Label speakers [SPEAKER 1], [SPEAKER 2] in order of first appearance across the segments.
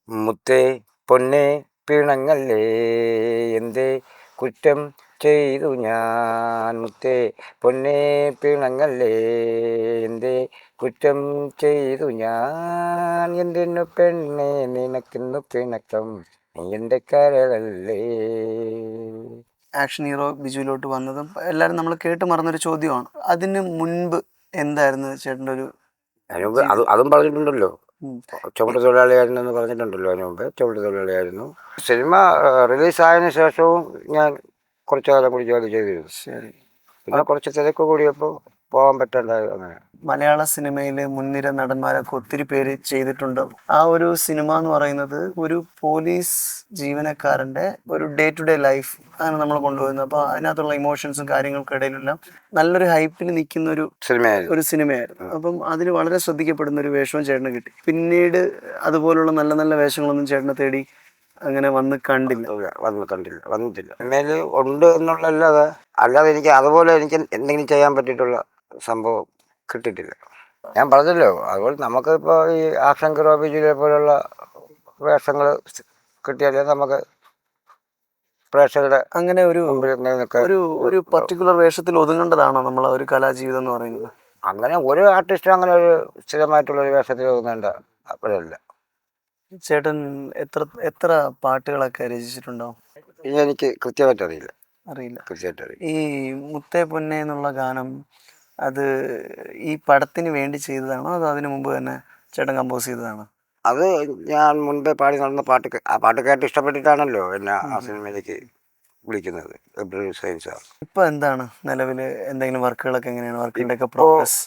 [SPEAKER 1] മുത്തേ പൊന്നേ പിണങ്ങല്ലേ എന്തേ കുറ്റം ചെയ്തു ഞാൻ. മുത്തേ പൊന്നേ പിണങ്ങല്ലേ എന്തേ കുറ്റം ചെയ്തു ഞാൻ. എന്തിനു പെണ്ണേ നിനക്കിന്നു പിണക്കം, നീ എൻ്റെ കരളല്ലേ.
[SPEAKER 2] ആക്ഷൻ ഹീറോ ബിജുവിലോട്ട് വന്നതും എല്ലാവരും നമ്മൾ കേട്ട് മറന്നൊരു ചോദ്യമാണ്. അതിന് മുൻപ് എന്തായിരുന്നു ചേട്ടൻ്റെ ഒരു
[SPEAKER 1] അതിന് മുമ്പ് അതും പറഞ്ഞിട്ടുണ്ടല്ലോ.
[SPEAKER 2] ഉം.
[SPEAKER 1] ചുമട്ട് തൊഴിലാളിയായിരുന്നു എന്ന് പറഞ്ഞിട്ടുണ്ടല്ലോ. അതിന് മുമ്പ് ചുമട്ട് തൊഴിലാളിയായിരുന്നു. സിനിമ റിലീസായതിനു ശേഷവും ഞാൻ കുറച്ചു കാലം കൂടി ജോലി ചെയ്തിരുന്നു.
[SPEAKER 2] ശരി.
[SPEAKER 1] പിന്നെ കുറച്ച് തിരക്ക് കൂടിയപ്പോൾ പോകാൻ പറ്റാണ്ടായി. അങ്ങനെ
[SPEAKER 2] മലയാള സിനിമയിൽ മുൻനിര നടന്മാരൊക്കെ ഒത്തിരി പേര് ചെയ്തിട്ടുണ്ട്. ആ ഒരു സിനിമ എന്ന് പറയുന്നത് ഒരു പോലീസ് ജീവനക്കാരൻ്റെ ഒരു ഡേ ടു ഡേ ലൈഫ് ആണ് നമ്മൾ കൊണ്ടുപോകുന്നത്. അപ്പോൾ അതിനകത്തുള്ള ഇമോഷൻസും കാര്യങ്ങൾക്കിടയിലെല്ലാം നല്ലൊരു ഹൈപ്പിൽ നിൽക്കുന്ന ഒരു സിനിമയായിരുന്നു. അപ്പം അതിൽ വളരെ ശ്രദ്ധിക്കപ്പെടുന്ന ഒരു വേഷവും ചേട്ടന് കിട്ടി. പിന്നീട് അതുപോലുള്ള നല്ല നല്ല വേഷങ്ങളൊന്നും ചേട്ടനെ തേടി അങ്ങനെ
[SPEAKER 1] വന്നിട്ടില്ല. സിനിമയിൽ ഉണ്ട് അല്ലാതെ എനിക്ക് അതുപോലെ എനിക്ക് എന്തെങ്കിലും ചെയ്യാൻ പറ്റിയിട്ടുള്ള സംഭവം കിട്ടിയിട്ടില്ല. ഞാൻ പറഞ്ഞല്ലോ, അതുപോലെ നമുക്കിപ്പോൾ ഈ ആക്ഷൻ ഹീറോ ബിജുവിനെ പോലുള്ള വേഷങ്ങൾ കിട്ടിയാലേ നമുക്ക് പ്രേക്ഷകരുടെ
[SPEAKER 2] അങ്ങനെ ഒരു പർട്ടിക്കുലർ വേഷത്തിൽ ഒതുങ്ങേണ്ടതാണോ നമ്മളെ ഒരു കലാജീവിതം എന്ന് പറയുന്നത്?
[SPEAKER 1] അങ്ങനെ ഒരു ആർട്ടിസ്റ്റും അങ്ങനെ ഒരു സ്ഥിരമായിട്ടുള്ളൊരു വേഷത്തിൽ ഒതുങ്ങേണ്ട അപ്പോഴല്ല.
[SPEAKER 2] ചേട്ടൻ എത്ര പാട്ടുകളൊക്കെ രചിച്ചിട്ടുണ്ടാവും?
[SPEAKER 1] ഇനി എനിക്ക് കൃത്യമായിട്ട് അറിയില്ല.
[SPEAKER 2] ഈ മുത്തേ പൊന്നെ എന്നുള്ള ഗാനം അത് ഈ പടത്തിന് വേണ്ടി ചെയ്തതാണോ അതോ അതിനു മുമ്പ് തന്നെ ചേട്ടൻ കമ്പോസ് ചെയ്തതാണോ?
[SPEAKER 1] അത് ഞാൻ മുൻപേ പാടി നടന്ന ആ പാട്ട് കേട്ട് ഇഷ്ടപ്പെട്ടിട്ടാണല്ലോ എന്നെ ആ സിനിമയിലേക്ക് വിളിക്കുന്നത്.
[SPEAKER 2] ഇപ്പൊ എന്താണ് നിലവിൽ എന്തെങ്കിലും വർക്കുകളൊക്കെ എങ്ങനെയാണ്? വർക്കിന്റെ ഒക്കെ പ്രോഗ്രസ്?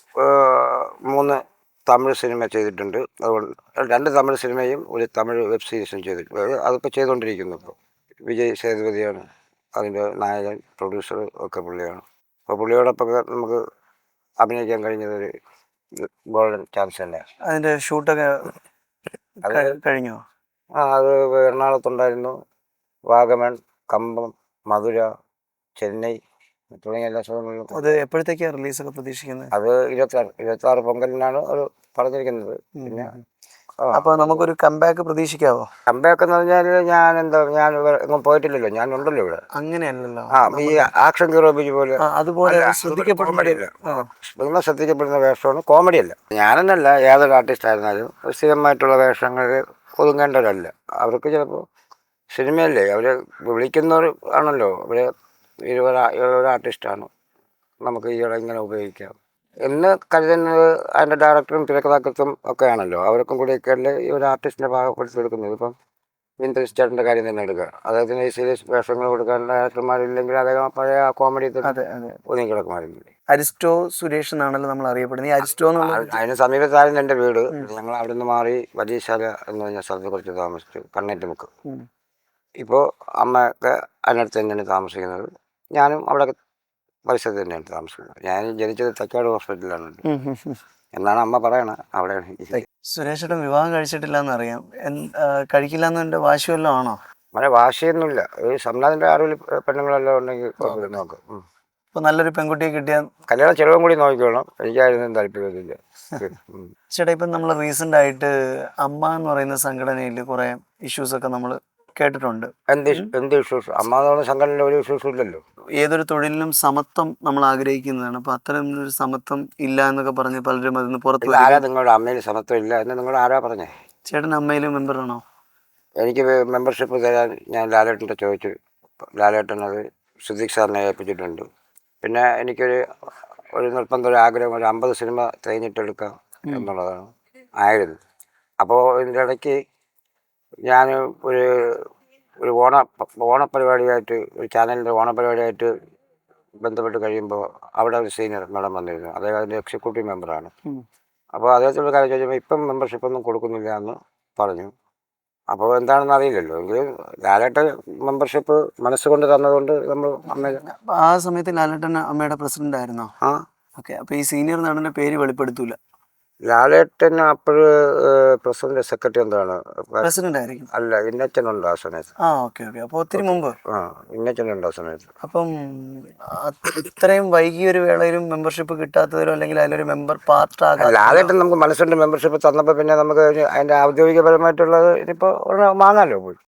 [SPEAKER 1] 3 തമിഴ് സിനിമ ചെയ്തിട്ടുണ്ട്. അതുകൊണ്ട് 2 തമിഴ് സിനിമയും ഒരു തമിഴ് വെബ് സീരീസും ചെയ്തിട്ടുണ്ട്. അതിപ്പോൾ ചെയ്തുകൊണ്ടിരിക്കുന്നു. ഇപ്പോൾ വിജയ് സേതുപതിയാണ് അതിൻ്റെ നായകൻ, പ്രൊഡ്യൂസർ ഒക്കെ പുള്ളിയാണ്. അപ്പോൾ പുള്ളിയോടൊപ്പം നമുക്ക് അഭിനയിക്കാൻ കഴിഞ്ഞതൊരു ഗോൾഡൻ ചാൻസ് തന്നെയാണ്.
[SPEAKER 2] അതിന്റെ ഷൂട്ടൊക്കെ കഴിഞ്ഞോ?
[SPEAKER 1] അത് എറണാകുളത്തുണ്ടായിരുന്നു. വാഗമൺ, കമ്പം, മധുര, ചെന്നൈ തുടങ്ങിയ എല്ലാ സ്ഥലങ്ങളിലും.
[SPEAKER 2] അത് എപ്പോഴത്തേക്കാണ് റിലീസൊക്കെ പ്രതീക്ഷിക്കുന്നത്?
[SPEAKER 1] അത് 26 പൊങ്കലിനാണ് ഒരു പറഞ്ഞിരിക്കുന്നത്. പിന്നെ
[SPEAKER 2] അപ്പോൾ നമുക്കൊരു കംബാക്ക് പ്രതീക്ഷിക്കാവോ?
[SPEAKER 1] കംബാക്ക് എന്ന് പറഞ്ഞാൽ ഞാൻ എങ്ങും പോയിട്ടില്ലല്ലോ, ഞാൻ ഉണ്ടല്ലോ ഇവിടെ.
[SPEAKER 2] അങ്ങനെയല്ലല്ലോ,
[SPEAKER 1] ഈ ആക്ഷൻ ഹീറോ ബിജു പോലെ
[SPEAKER 2] അതുപോലെ
[SPEAKER 1] ശ്രദ്ധിക്കപ്പെടുന്ന വേഷമാണ്, കോമഡി അല്ല. ഞാനെന്നല്ല, ഏതൊരു ആർട്ടിസ്റ്റ് ആയിരുന്നാലും സ്ഥിരമായിട്ടുള്ള വേഷങ്ങളിൽ ഒതുങ്ങേണ്ടവരല്ല. അവർക്ക് ചിലപ്പോൾ സിനിമയല്ലേ, അവർ വിളിക്കുന്നവർ ആണല്ലോ. അവർ ഒരു ആർട്ടിസ്റ്റാണ്, നമുക്ക് ഈയിടെ ഇങ്ങനെ ഉപയോഗിക്കാം എന്ന് കരുതുന്നത് അതിൻ്റെ ഡയറക്ടറും തിരക്കഥാകൃത്തും ഒക്കെ ആണല്ലോ. അവർക്കും കൂടിയൊക്കെ അല്ലേ ഈ ഒരു ആർട്ടിസ്റ്റിനെ പാകപ്പെടുത്തിയെടുക്കുന്നത്. ഇപ്പം വിൻറ്റേജ് ചേട്ടൻ്റെ കാര്യം തന്നെ എടുക്കുക. അദ്ദേഹത്തിന് ഈ സീരിയസ് വേഷങ്ങൾ കൊടുക്കാൻ ഡയറക്ടർമാരില്ലെങ്കിൽ അദ്ദേഹം പഴയ കോമഡി ഒതുങ്ങി കിടക്കുമായിരുന്നില്ലേ.
[SPEAKER 2] അരിസ്റ്റോ സുരേഷ് എന്നാണല്ലോ നമ്മൾ അറിയപ്പെടുന്നത്. ഈ അരിസ്റ്റോ
[SPEAKER 1] അതിന് സമീപത്തായിരുന്നു എൻ്റെ വീട്. ഞങ്ങൾ അവിടെ നിന്ന് മാറി വലിയശാല എന്ന് പറഞ്ഞ സ്ഥലത്ത് കുറച്ച് താമസിച്ചു, കണ്ണേറ്റുമുക്ക്. ഇപ്പോൾ അമ്മയൊക്കെ അതിനടുത്ത് തന്നെയാണ് താമസിക്കുന്നത്. ഞാനും അവിടെ പരിസരത്ത് തന്നെയാണ് താമസിക്കുന്നത്. ഞാൻ ജനിച്ചത് തക്കാട് ഹോസ്പിറ്റലിലാണ് എന്നാണ് അമ്മ പറയണത്. അവിടെയാണ്.
[SPEAKER 2] സുരേഷേട്ടൻ വിവാഹം കഴിച്ചിട്ടില്ല എന്നറിയാം. കഴിക്കില്ല എന്നതിൻ്റെ വാശി വല്ലതും ആണോ?
[SPEAKER 1] അങ്ങനെ വാശിയൊന്നുമില്ല. ഈ സംനാഥിൻ്റെ അറിവിൽ പെണ്ണുങ്ങളെല്ലാം ഉണ്ടെങ്കിൽ നോക്കും.
[SPEAKER 2] ഇപ്പോൾ നല്ലൊരു പെൺകുട്ടിയെ കിട്ടിയാൽ
[SPEAKER 1] കല്യാണം ചിലവും കൂടി നോക്കിക്കോണം. എനിക്കായിരുന്നു താല്പര്യമില്ല.
[SPEAKER 2] ചേട്ടാ, ഇപ്പം നമ്മൾ റീസെൻ്റ് ആയിട്ട് അമ്മ എന്ന് പറയുന്ന സംഘടനയിൽ കുറേ ഇഷ്യൂസൊക്കെ നമ്മൾ കേട്ടിട്ടുണ്ട്.
[SPEAKER 1] എന്ത് ഇഷ്യൂസ്? അമ്മ എന്ന് പറയുന്ന സംഘടനയിൽ ഒരു ഇഷ്യൂസും ഇല്ലല്ലോ.
[SPEAKER 2] ഏതൊരു തൊഴിലിനും സമത്വം നമ്മൾ ആഗ്രഹിക്കുന്നതാണ്. അപ്പോൾ അത്തരം ഒരു സമത്വം ഇല്ല എന്നൊക്കെ പറഞ്ഞ് പലരും അതിന് പുറത്ത്.
[SPEAKER 1] ആരാ നിങ്ങളുടെ അമ്മയിൽ സമത്വം ഇല്ല എന്ന് നിങ്ങൾ ആരാ പറഞ്ഞേ?
[SPEAKER 2] ചേട്ടൻ അമ്മയിൽ മെമ്പറാണോ?
[SPEAKER 1] എനിക്ക് മെമ്പർഷിപ്പ് തരാൻ ഞാൻ ലാലേട്ടൻ്റെ ചോദിച്ചു. ലാലേട്ടൻ അത് സിദ്ദിഖ് സാറിനെ ഏൽപ്പിച്ചിട്ടുണ്ട്. പിന്നെ എനിക്കൊരു നിർബന്ധം, ഒരു ആഗ്രഹം, ഒരു 50 സിനിമ തിരഞ്ഞിട്ടെടുക്കാം എന്നുള്ളതാണ് ആയിരുന്നു. അപ്പോൾ ഇതിൻ്റെ ഇടയ്ക്ക് ഞാൻ ഒരു ഓണപ്പരിപാടിയായിട്ട്, ഒരു ചാനലിൻ്റെ ഓണപ്പരിപാടിയായിട്ട് ബന്ധപ്പെട്ട് കഴിയുമ്പോൾ അവിടെ ഒരു സീനിയർ മാഡം വന്നിരുന്നു. അദ്ദേഹം അതിൻ്റെ എക്സിക്യൂട്ടീവ് മെമ്പറാണ്. അപ്പോൾ അദ്ദേഹത്തോട് കാര്യം ചോദിച്ചപ്പോൾ ഇപ്പം മെമ്പർഷിപ്പൊന്നും കൊടുക്കുന്നില്ല എന്ന് പറഞ്ഞു. അപ്പോൾ എന്താണെന്ന് അറിയില്ലല്ലോ. എങ്കിലും ലാലേട്ടൻ മെമ്പർഷിപ്പ് മനസ്സുകൊണ്ട് തന്നതുകൊണ്ട് നമ്മൾ
[SPEAKER 2] ആ സമയത്ത് ലാലേട്ടൻ അമ്മയുടെ പ്രസിഡന്റ് ആയിരുന്നോ? ഓക്കെ. അപ്പോൾ ഈ സീനിയർ നടൻ്റെ പേര് വെളിപ്പെടുത്തൂല.
[SPEAKER 1] ലാലേട്ടൻ അപ്പോൾ പ്രസിഡന്റ് സെക്രട്ടറി എന്താണ്
[SPEAKER 2] പ്രസിഡന്റ് ആയിരിക്കും.
[SPEAKER 1] അല്ല, ഇന്നച്ചനുണ്ട് ആ സമയത്ത്.
[SPEAKER 2] ആ ഓക്കെ ഓക്കെ. അപ്പോൾ ഒത്തിരി മുമ്പ്.
[SPEAKER 1] ആ, ഇന്നച്ചനുണ്ട് ആ സമയത്ത്.
[SPEAKER 2] അപ്പം ഇത്രയും വൈകിയ ഒരു വേളയിലും മെമ്പർഷിപ്പ് കിട്ടാത്തതിലോ അല്ലെങ്കിൽ അതിലൊരു മെമ്പർ പാർട്ട് ആകാൻ
[SPEAKER 1] ലാലേട്ടൻ നമുക്ക് മനസ്സുണ്ട് മെമ്പർഷിപ്പ് തന്നപ്പോൾ പിന്നെ നമുക്ക് അതിൻ്റെ ഔദ്യോഗികപരമായിട്ടുള്ളത് ഇനിയിപ്പോൾ വാങ്ങാമല്ലോ പോയി.